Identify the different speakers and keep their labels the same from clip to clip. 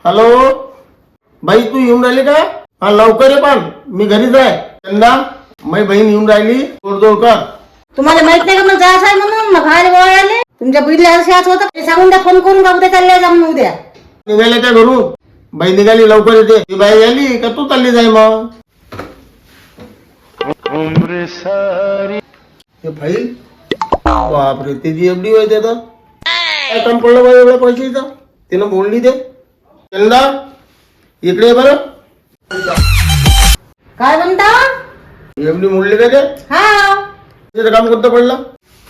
Speaker 1: Hello बाई, तू येऊन राहिली का? हा लवकर ये, पण मी घरीच आहे. चंदा, माझी बहीण येऊन राहिली, तोडजोड कर.
Speaker 2: तुम्हाला माहित नाही का मग जायचं आहे म्हणून? मग घायला गोळ आले तुमच्या बहिणीला असं होतं ते सांगून द्या, फोन करून का उद्या चालले जा म्हणून उद्या.
Speaker 1: निघाले त्या घरून? बाई निघाली, लवकर येते. ती बाई आली का तू चालली जाय मग. हे फाईल बापरे, त्याची एवढी वय देत काय काम पडलं बाई एवढ्या पैशाचं? तिनं बोलली ते. चंदा, इकडे ये बरं.
Speaker 2: काय म्हणता?
Speaker 1: एवढी मोडली का ते?
Speaker 2: हा,
Speaker 1: त्याचं काम कोणतं पडलं?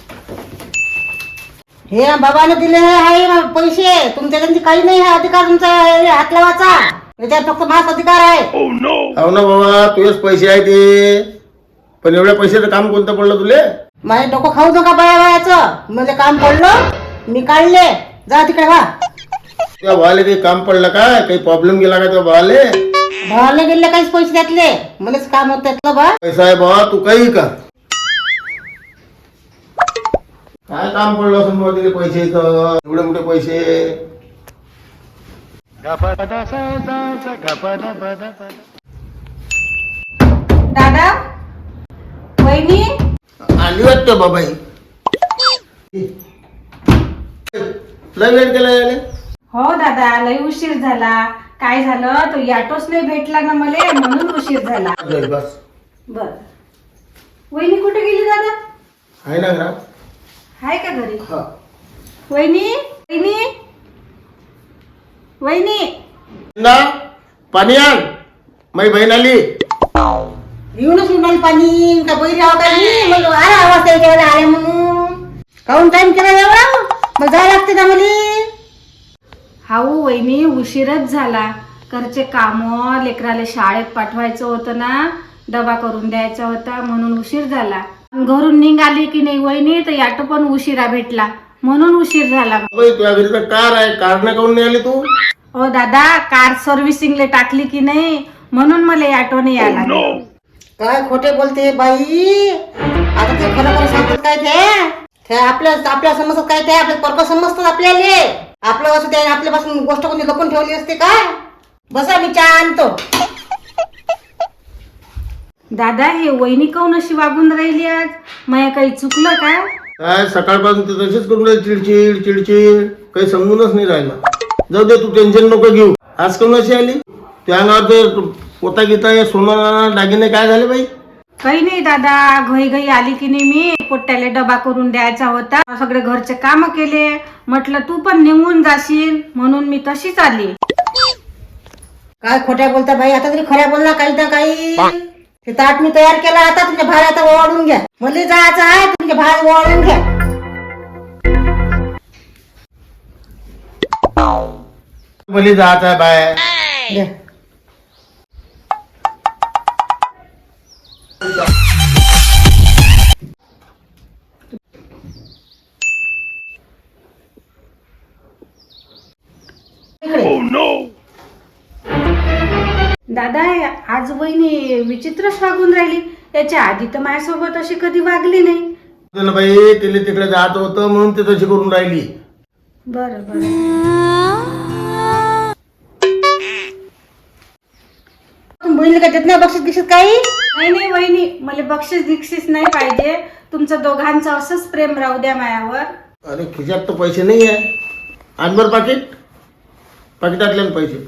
Speaker 2: हे बाबाने दिले आहे पैसे, तुमच्या त्यांची काही नाही आहे अधिकार तुमचा हात लावायचा. याच्यात फक्त माझा अधिकार आहे.
Speaker 1: हो ना बाबा, तुझेच पैसे आहे ते, पण एवढ्या पैशाचं काम कोणतं पडलं तुले?
Speaker 2: माझे डोकं खाऊ नका बायाचं. म्हणजे काम पडलं, मी काढले. जा तिकडे वा.
Speaker 1: त्या भावाले काही काम पडलं का? काही प्रॉब्लेम गेला का त्या भावाले?
Speaker 2: भावाला गेले काहीच पैसे त्यातले, मलाच काम होत त्यातलं बा.
Speaker 1: पैसा आहे बाबा, तू काही कर. काय काम पडलं असं बाबा तिथे पैशाचं? एवढे मोठे पैसे.
Speaker 2: दादा, वहिनी,
Speaker 1: आली वाटतं बाबाई. लय वेळ केला यायला?
Speaker 3: हो दादा, लय उशीर झाला. काय झालं, तो ऑटोच नाही भेटला ना मला, म्हणून उशीर झाला.
Speaker 1: बस.
Speaker 3: बर, वहिनी कुठे गेली दादा?
Speaker 1: आहे ना घरात?
Speaker 3: आहे का घरी?
Speaker 1: हा.
Speaker 3: वहिनी, वहिनी, वहिनी.
Speaker 1: चंदा, पाणी आण, माझी बहीण आली.
Speaker 2: येऊनच उन्हाळी पाणी का बैरी आहो काही मग आला आवाज त्याच्या वेळेला आले म्हणून काहून टाइम केला एवढा? मग जायला लागते ना मला.
Speaker 3: हाऊ वहिनी, उशीरच झाला. घरचे काम, लेकराला शाळेत पाठवायचं होतं ना, डबा करून द्यायचा होता, म्हणून उशीर झाला. घरून निघाली की नाही वहिनी, तर ऑटो पण उशिरा भेटला, म्हणून उशीर झाला.
Speaker 1: बाई, तुझ्या घरी तर कार आहे, कार नाही काऊन नाही आली तू?
Speaker 3: हो दादा, कार सर्व्हिसिंगला टाकली की नाही, म्हणून मला ऑटो नाही आला.
Speaker 2: काय खोटे बोलते बाई. आता ते खरं खरं सांगतात काय ते आपल्या समजतात काय ते आपल्या परक समजतात आपल्याला. आपलं असं ते आपल्यापासून गोष्ट कोणी लपून ठेवली असते काय? बसा, मी चहा आणतो.
Speaker 3: दादा, हे वहिनी काऊन अशी वागून राहिली आज? माया काही चुकलं का?
Speaker 1: काय सकाळपासून ते तसेच करून राहिली, चिडचिड चिडचिड, काही समजूनच नाही राहिलं. जाऊ दे, तू टेन्शन नको घेऊ. आज काऊन अशी आली? त्या अंगावर ते पोता गीता हे सोनं दागिने काय झाले बाई?
Speaker 3: काही नाही दादा, घाई घाई आली की नाही, मी पोट्याला डबा करून द्यायचा होता, सगळे घरचे काम केले. म्हटलं तू पण निघून जाशील, म्हणून मी तशीच आली.
Speaker 2: काय खोट्या बोलता बाई? आता तरी खऱ्या बोलला काही ना काही. ते ताट मी तयार केला, आता तुमच्या भार आता ओवाळून घ्या. मला जायचं आहे, तुमच्या भार ओवाळून घ्या.
Speaker 1: भली जात आहे बाय.
Speaker 2: घ्या.
Speaker 3: दादा, आज वहिनी विचित्रच वागून राहिली. याच्या आधी तर माझ्यासोबत अशी कधी वागली नाही.
Speaker 1: ना बाई, तिला तिकडे जात होतं म्हणून ते तशी करून राहिली.
Speaker 3: बरं बरं.
Speaker 2: तुम्ही बहिणीला काय देत नाही बक्षीस गिक्षीस काही?
Speaker 3: नाही नाही वहिनी, मला बक्षीस दिक्षीस नाही पाहिजे. तुमचं दोघांचं असंच प्रेम राहू द्या मायावर.
Speaker 1: अरे खिशात तर पैसे नाही आहे. आजभर पाकिट, पाकिटातले पैसे.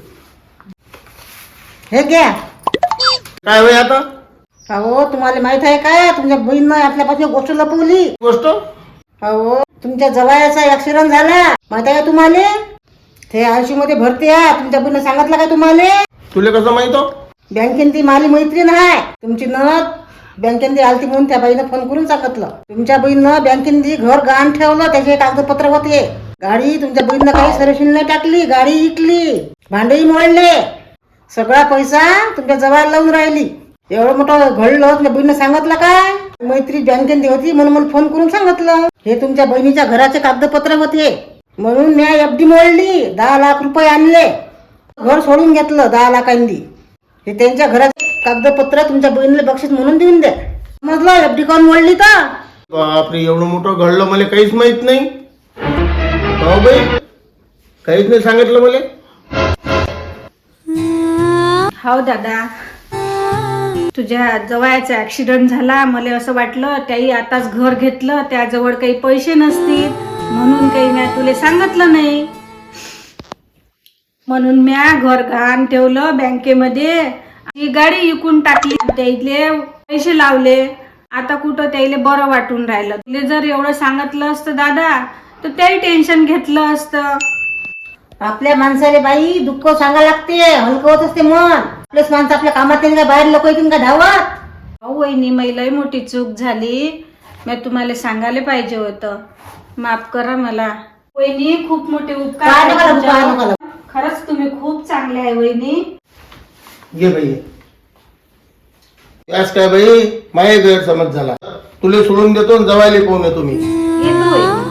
Speaker 2: हे घ्या.
Speaker 1: काय होय आता?
Speaker 2: अहो, तुम्हाला माहित आहे काय, तुमच्या बहिणीनं आपल्यापासून गोष्ट लपवली.
Speaker 1: गोष्ट?
Speaker 2: अहो, तुमच्या जवळचा ऍक्सिडेंट झाला माहित आहे का तुम्हाला? ते आयसी मध्ये भरती आहे. तुमच्या बहिणीनं सांगितलं का तुम्हाला?
Speaker 1: तुला कसं माहित हो?
Speaker 2: बँकेन ती माझी मैत्रीण आहे. तुमची नणद बँकेन ती आलती म्हणून त्या बाईनं फोन करून सांगितलं. तुमच्या बहिणीनं बँकेन ती घर गहाण ठेवलं, त्याचे कागदपत्र होते. गाडी तुमच्या बहिणीनं काही सर्व्हिसिंग नाही टाकली, गाडी विकली, भांडेही मोडले. सगळा पैसा तुमच्या जवळ लावून राहिली. एवढं मोठं घडलं, तुमच्या बहिणीनं सांगितलं काय? मैत्री बँकेत होती म्हणून मला फोन करून सांगितलं. हे तुमच्या बहिणीच्या घराचे कागदपत्र होते, म्हणून मी एफडी मोडली. 10 लाख रुपये आणले, घर सोडून घेतलं 10 लाखांनी. हे त्यांच्या घराचे कागदपत्र तुमच्या बहिणीला बक्षीस म्हणून देऊन द्या. समजलं? एफडी कोण मोडली तर?
Speaker 1: बापरे, एवढं मोठं घडलं, मला काहीच माहित नाही. हो बाई, काहीच नाही सांगितलं मला.
Speaker 3: हो दादा, तुझ्या जवळचा ऍक्सिडेंट झाला, मला असं वाटलं त्याही आताच घर घेतलं, त्याजवळ काही पैसे नसतील म्हणून काही मी तुला सांगितलं नाही. म्हणून म्या घर गहाण ठेवलं बँकेमध्ये. ही गाडी विकून टाकली, त्याइले पैसे लावले. आता कुठं त्याइले बरं वाटून राहिलं. तुला जर एवढं सांगितलं असतं दादा तर त्याही टेन्शन घेतलं असतं.
Speaker 2: आपल्या माणसाला बाई दुःख सांगा लागते, हलकं होत असते मन. आपलेच माणसं आपल्या कामात येईल का, बाहेर लोक येतील का धावत.
Speaker 3: अहो वहिनी, लई मोठी चूक झाली, मी तुम्हाला सांगायला पाहिजे होतं. माफ करा मला वहिनी, खूप मोठे उपकार
Speaker 2: काय
Speaker 3: आहेत
Speaker 2: नका लागू, काय
Speaker 3: तुमच्यावर.
Speaker 2: नका लागू.
Speaker 3: खरंच तुम्ही खूप चांगले आहे वहिनी.
Speaker 1: घे बाई. यास काय बाई, माझे गैरसमज झाला. तुले सोडून देतो आणि जवायला पाहून येतो मी.
Speaker 3: येतो वहिनी.